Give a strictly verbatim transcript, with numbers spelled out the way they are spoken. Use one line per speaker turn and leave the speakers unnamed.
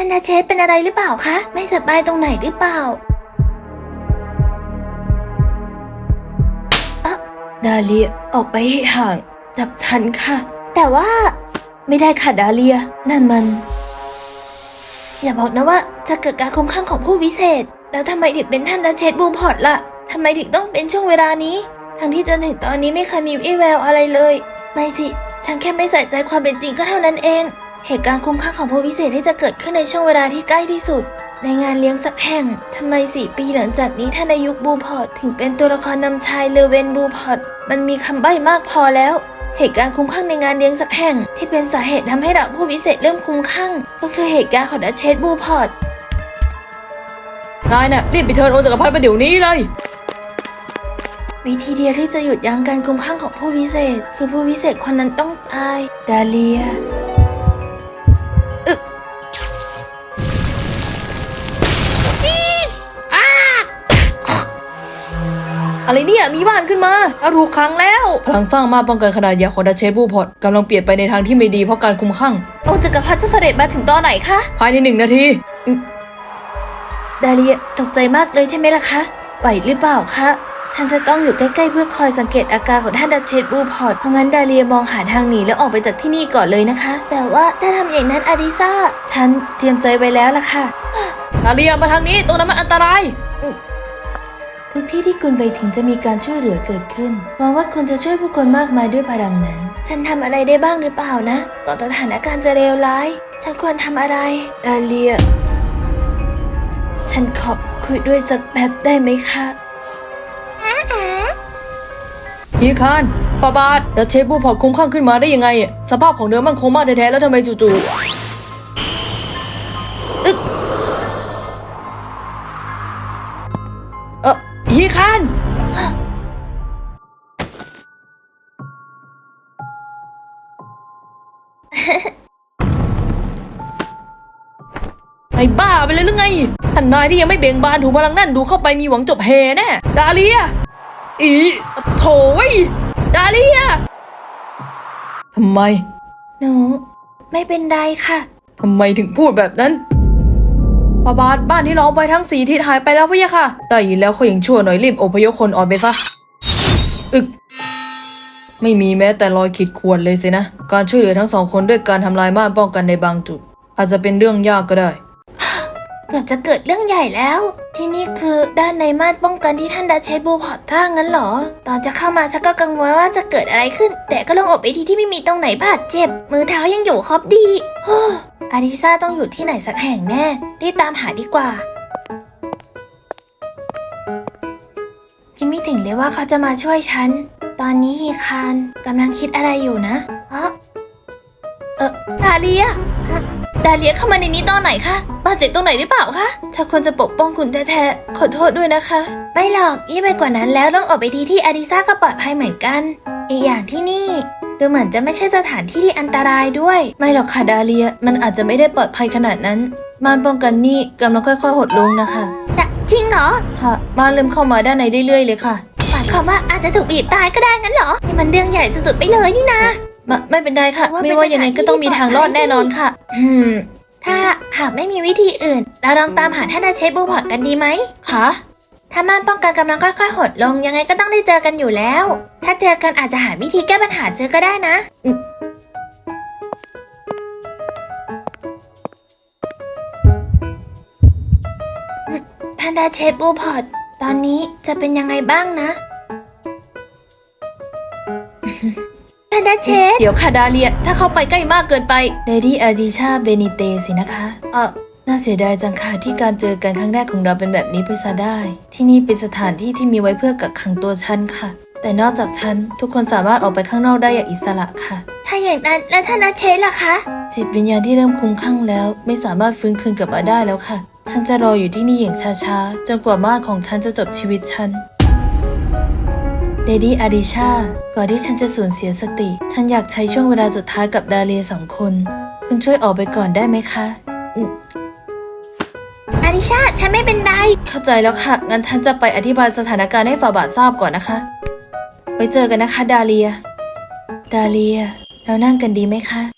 านดาเชสเป็นอะไรหรือเปล่าคะไม่สบายตรงไหนหรือเปล่าอะดาเลียออกไปให้ห่างจากฉันค่ะแต่ว่าไม่ได้ค่ะดาเลียนั่นมันอย่าบอกนะว่าจะเกิดการคุ้มข้างของผู้วิเศษแล้วทำไมถึงเป็นท่านดาเชสบูพอร์ตล่ะทำไมถึงต้องเป็นช่วงเวลานี้ทั้งที่จนถึงตอนนี้ไม่เคยมีวี่แววอะไรเลยไม่สิฉันแค่ไม่ใส่ใจความเป็นจริงก็เท่านั้นเองเหตุการณ์คุ้มค่าของผู้วิเศษที่จะเกิดขึ้นในช่วงเวลาที่ใกล้ที่สุดในงานเลี้ยงสักแห่งทำไมสี่ปีหลังจากนี้ท่านอายุบูพอร์ตถึงเป็นตัวละครนำชายเลเวนบูพอร์ตมันมีคำใบ้มากพอแล้วเหตุการณ์คุ้มข้างในงานเลี้ยงสักแห่งที่เป็นสาเหตุทำให้ดาบผู้วิเศษเริ่มคุ้มข้างก็คือเหตุการณ์ของดาเชสบูพอร์ต
นายน่ะรีบไปเชิญองค์จักรพรรดิมาเดี๋ยวนี้เลย
วิธีเดียวที่จะหยุดยั้งการคุ้มข้างของผู้วิเศษคือผู้วิเศษคนนั้นต้องตายดาเลียอึ
อะไรเนี่ยมีบ้านขึ้นมาอาถูกขังแล้วพลังสร้างมาป้องกันขนาดใหญ่ของดาเชสบูพอร์ตกำลังเปลี่ยนไปในทางที่ไม่ดีเพราะการคุมข้าง
องค์จักรพรรดิจะเสด็จมาถึงตอนไหนคะ
ภายในหนึ่งนาที
ดาเลียตกใจมากเลยใช่ไหมล่ะคะไหวหรือเปล่าคะฉันจะต้องอยู่ใกล้ๆเพื่อคอยสังเกตอาการของท่านดาเชสบูพอร์ตเพราะงั้นดาเลียมองหาทางหนีแล้วออกไปจากที่นี่ก่อนเลยนะคะแต่ว่าถ้าทำอย่างนั้นอาดิซ่าฉันเตรียมใจไว้แล้วล่ะค่ะ
ดาเลียมาทางนี้ตรงนั้นมันอันตราย
ทุกที่ที่คุณไปถึงจะมีการช่วยเหลือเกิดขึ้นหวังว่าคุณจะช่วยผู้คนมากมายด้วยพลังนั้นฉันทำอะไรได้บ้างหรือเปล่านะก่อนสถานการณ์จะเลวร้ายฉันควรทำอะไรดาเลียฉันขอคุยด้วยสักแป๊บได้ไหมคะ
ฮีคานฟาบาดดาเชสบูพอร์ตคุ้มข้างขึ้นมาได้ยังไงสภาพของเนื้อมันคงมากแท้ๆแล้วทำไมจู่ๆอึ๊กเออฮีคานไอ้บ้าไปเลยหรือไงท่านนายที่ยังไม่เบ่งบานถูกพลังนั่นดูเข้าไปมีหวังจบเฮแน่ดาเลียอีโถยดาเลียทำไม
หนูไม่เป็นไรค่ะ
ทำไมถึงพูดแบบนั้นฟาบาดบ้านที่ล้อมไว้ทั้งสี่ทิศหายไปแล้วพี่ค่ะแต่ยินแล้วเขายังชั่วหน่อยรีบอพยพคนออกไปซะอึกไม่มีแม้แต่รอยขีดข่วนเลยสินะการช่วยเหลือทั้งสองคนด้วยการทำลายม่านป้องกันในบางจุดอาจจะเป็นเรื่องยากก็ได้
เกือบจะเกิดเรื่องใหญ่แล้วที่นี่คือด้านในม่านป้องกันที่ท่านดาเชสบูพอร์ตท่างั้นเหรอตอนจะเข้ามาฉันก็กังวลว่าจะเกิดอะไรขึ้นแต่ก็ลงอกไปทีที่ไม่มีตรงไหนบาดเจ็บมือเท้ายังอยู่ครบดีอาริซาต้องอยู่ที่ไหนสักแห่งแน่รีบตามหาดีกว่าคิดไม่ถึงเลยว่าเขาจะมาช่วยฉันตอนนี้ฮีคานกำลังคิดอะไรอยู่นะเออเออดาเลียดาเลียเข้ามาในนี้ตอนไหนคะบาดเจ็บตรงไหนหรือเปล่าคะฉันควรจะปกป้องคุณแท้ๆขอโทษด้วยนะคะไม่หรอกยิ่งไปกว่านั้นแล้วต้องออกไปทีที่อาริซาก็ปลอดภัยเหมือนกันอีกอย่างที่นี่ดูเหมือนจะไม่ใช่สถานที่ที่อันตรายด้วยไม่หรอกค่ะดาเลียมันอาจจะไม่ได้ปลอดภัยขนาดนั้นม่านป้องกันนี่กำลังค่อยๆหดลงนะคะจริงเหรอค่ะม่านเริ่มเข้ามาด้านในเรื่อยๆเลยค่ะหมายความว่าอาจจะถูกบีบตายก็ได้งั้นเหรอนี่มันเรื่องใหญ่สุดๆไปเลยนี่นะไม่ไม่เป็นไรค่ะไม่ว่ายังไงก็ต้องมีทางรอดแน่นอนค่ะอืมถ้าหากไม่มีวิธีอื่นเราลองตามหาท่านดาเชสบูพอร์ตกันดีไหมคะถ้าม่านป้องกันกำลังค่อยๆหดลงยังไงก็ต้องได้เจอกันอยู่แล้วถ้าเจอกันอาจจะหาวิธีแก้ปัญหาเจอก็ได้นะท่านดาเชสบูพอร์ตตอนนี้จะเป็นยังไงบ้างนะท่านดาเชสเดี๋ยวค่ะดาเลียถ้าเข้าไปใกล้มากเกินไปเดดี้อาดิชาเบนิเตสินะคะเออน่าเสียดายจังค่ะที่การเจอกันครั้งแรกของเราเป็นแบบนี้ไปซะได้ที่นี่เป็นสถานที่ที่มีไว้เพื่อกักขังตัวฉันค่ะแต่นอกจากฉันทุกคนสามารถออกไปข้างนอกได้อย่างอิสระค่ะถ้าอย่างนั้นแล้วท่านดาเชสล่ะคะจิตวิญญาณที่เริ่มคุ้มข้างแล้วไม่สามารถฟื้นคืนกลับมาได้แล้วค่ะฉันจะรออยู่ที่นี่อย่างช้าๆจนกว่าม่านของฉันจะจบชีวิตฉันเดดี้อาดิชาก่อนที่ฉันจะสูญเสียสติฉันอยากใช้ช่วงเวลาสุดท้ายกับดาเลียสองคนคุณช่วยออกไปก่อนได้ไหมคะอาดิชาฉันไม่เป็นไรเข้าใจแล้วค่ะงั้นฉันจะไปอธิบายสถานการณ์ให้ฟาบาทราบก่อนนะคะไว้เจอกันนะคะดาเลียดาเลียเรานั่งกันดีไหมคะ